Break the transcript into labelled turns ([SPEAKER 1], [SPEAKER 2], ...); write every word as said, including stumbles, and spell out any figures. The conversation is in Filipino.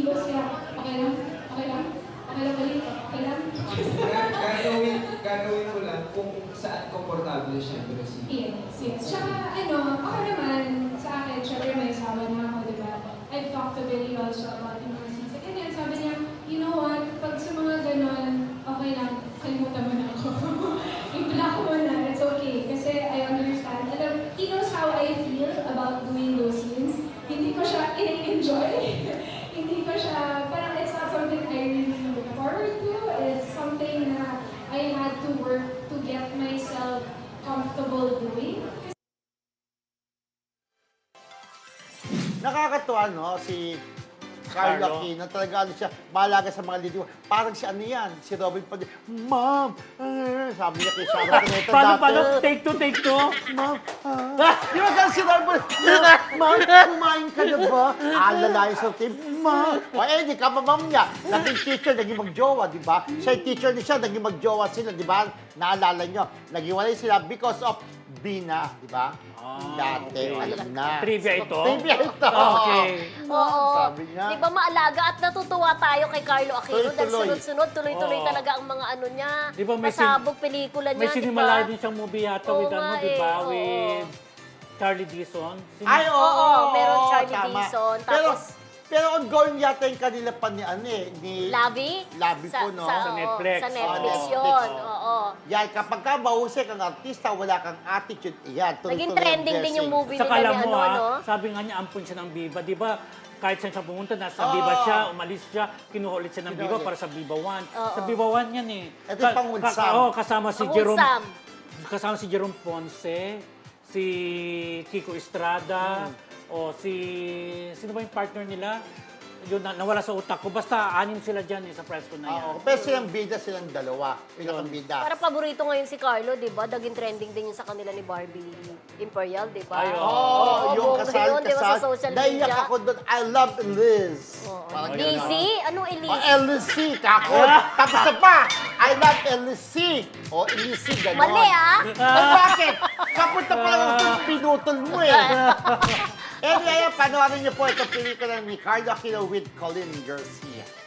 [SPEAKER 1] kilos niya. Okay lang? Okay lang? Okay lang ulit? Okay lang?
[SPEAKER 2] Ga- Gagawin, gagawin ko lang kung saan komportable siyempre si...
[SPEAKER 1] Yes, yes. Tsaka ano, ako naman, sa akin, syempre may asawa na ako, di ba? I've talked to Billy also about yung mga season. And then sabi niya, you know what, pag sa mga ganon, okay lang, kalimutan mo na ako. I-block mo na, it's okay. Kasi I understand. Alam, he knows how I feel about doing those scenes. Hindi ko siya i-enjoy. Hindi ko siya, parang it's not something I really look forward to. It's something na I had to work to get myself comfortable doing.
[SPEAKER 3] Nakakatuwa, no? Si Carlo
[SPEAKER 4] Carlo.
[SPEAKER 3] Aquino, talaga ano siya, mahalaga sa mga lidiwa. Parang si ano yan, si Robin Padilla. Ma'am! ah," sabi niya kay Sharon Cuneta
[SPEAKER 4] Paano,
[SPEAKER 3] dati.
[SPEAKER 4] paano? Take two, take two?
[SPEAKER 3] Ma'am, ah. Di ba ganun si Robin? Ma'am, kumain ka na ba? Ah, lalayo sa team. Ma'am. O eh, di ka ma'am niya. Naging teacher, naging magjowa, di ba? Siya yung teacher niya siya, naging magjowa sila, di ba? Naalala niyo. Naghiwalay sila because of Bina, di ba?
[SPEAKER 4] Ah,
[SPEAKER 3] Dati,
[SPEAKER 4] okay.
[SPEAKER 3] alam na.
[SPEAKER 4] Trivia ito?
[SPEAKER 3] Trivia ito.
[SPEAKER 4] Okay.
[SPEAKER 5] Oo.
[SPEAKER 3] Sabi niya.
[SPEAKER 5] Di ba maalaga at natutuwa tayo kay Carlo Aquino dahil
[SPEAKER 3] Tuloy-tuloy.
[SPEAKER 5] sunod-sunod, tuloy-tuloy
[SPEAKER 4] Oo.
[SPEAKER 5] talaga ang mga ano niya.
[SPEAKER 4] Di ba may sin-
[SPEAKER 5] pasabog pelikula niya,
[SPEAKER 4] May
[SPEAKER 5] di
[SPEAKER 4] sinimalay
[SPEAKER 5] ba?
[SPEAKER 4] din siyang movie yata
[SPEAKER 5] Oo
[SPEAKER 4] with ano,
[SPEAKER 5] nga
[SPEAKER 4] di ba?
[SPEAKER 5] eh, oo.
[SPEAKER 4] With Charlie Dixon. Sino-
[SPEAKER 3] Ay, oo,
[SPEAKER 5] Oo, meron Charlie
[SPEAKER 3] tama.
[SPEAKER 5] Dixon,
[SPEAKER 3] Pero,
[SPEAKER 5] tapos-
[SPEAKER 3] pero ongoing yata yung kanila pa ni ano eh, ni...
[SPEAKER 5] Labi?
[SPEAKER 3] Labi
[SPEAKER 5] sa,
[SPEAKER 3] po, no?
[SPEAKER 5] Sa,
[SPEAKER 4] Sa
[SPEAKER 5] oo,
[SPEAKER 4] Netflix.
[SPEAKER 5] Sa Netflix
[SPEAKER 3] Oo,
[SPEAKER 5] yun,
[SPEAKER 3] Netflix.
[SPEAKER 5] oo.
[SPEAKER 3] Yan, kapag ka mahusay kang artista, wala kang attitude, yan, tuloy-tuloy
[SPEAKER 5] Naging
[SPEAKER 3] ang
[SPEAKER 5] trending din yung
[SPEAKER 3] blessing.
[SPEAKER 5] movie
[SPEAKER 4] Saka
[SPEAKER 5] nila
[SPEAKER 4] alam
[SPEAKER 5] ni
[SPEAKER 4] mo
[SPEAKER 5] ano,
[SPEAKER 4] ha,
[SPEAKER 5] ano?
[SPEAKER 4] sabi nga niya, ampun siya ng Viva. Di ba, kahit saan siya pumunta, nasa
[SPEAKER 3] Oo.
[SPEAKER 4] Viva siya, umalis siya, kinuha ulit siya ng
[SPEAKER 3] Kinuha
[SPEAKER 4] Viva
[SPEAKER 3] ulit.
[SPEAKER 4] para sa Viva One.
[SPEAKER 5] Oo.
[SPEAKER 4] Sa Viva One yan eh.
[SPEAKER 3] Ito yung pangunsam.
[SPEAKER 4] oo, kasama si
[SPEAKER 5] Ang
[SPEAKER 4] Jerome,
[SPEAKER 5] unsam.
[SPEAKER 4] kasama si Jerome Ponce, si Kiko Estrada,
[SPEAKER 3] Hmm.
[SPEAKER 4] o si, sino ba yung partner nila? Yun, na, nawala sa utak ko. Basta anim sila dyan eh, sa press ko na yan.
[SPEAKER 3] Oo, pero silang bida, silang dalawa. Pinakang bida.
[SPEAKER 5] Para paborito ngayon si Carlo, di ba? Naging trending din yung sa kanila ni Barbie Imperial, di ba?
[SPEAKER 4] Ay, oo.
[SPEAKER 3] Oo,
[SPEAKER 5] Oo,
[SPEAKER 3] yung
[SPEAKER 5] buong
[SPEAKER 3] kasal,
[SPEAKER 5] yun, di ba, sa
[SPEAKER 3] kasal.
[SPEAKER 5] social
[SPEAKER 3] Naiyak
[SPEAKER 5] media?
[SPEAKER 3] ako doon, I love Liz. Parang ganun.
[SPEAKER 5] Lizzy? Anong
[SPEAKER 3] O,
[SPEAKER 5] Elise?
[SPEAKER 3] L C, kako. Tapos na pa, I love L C. O, L C, gano'n.
[SPEAKER 5] Mali ah!
[SPEAKER 3] Eh, bakit? Kapunta pa lang ako, pinutol mo eh. Anyway, panoorin niyo po itong pelikula ni Carlo Aquino with Colin Garcia.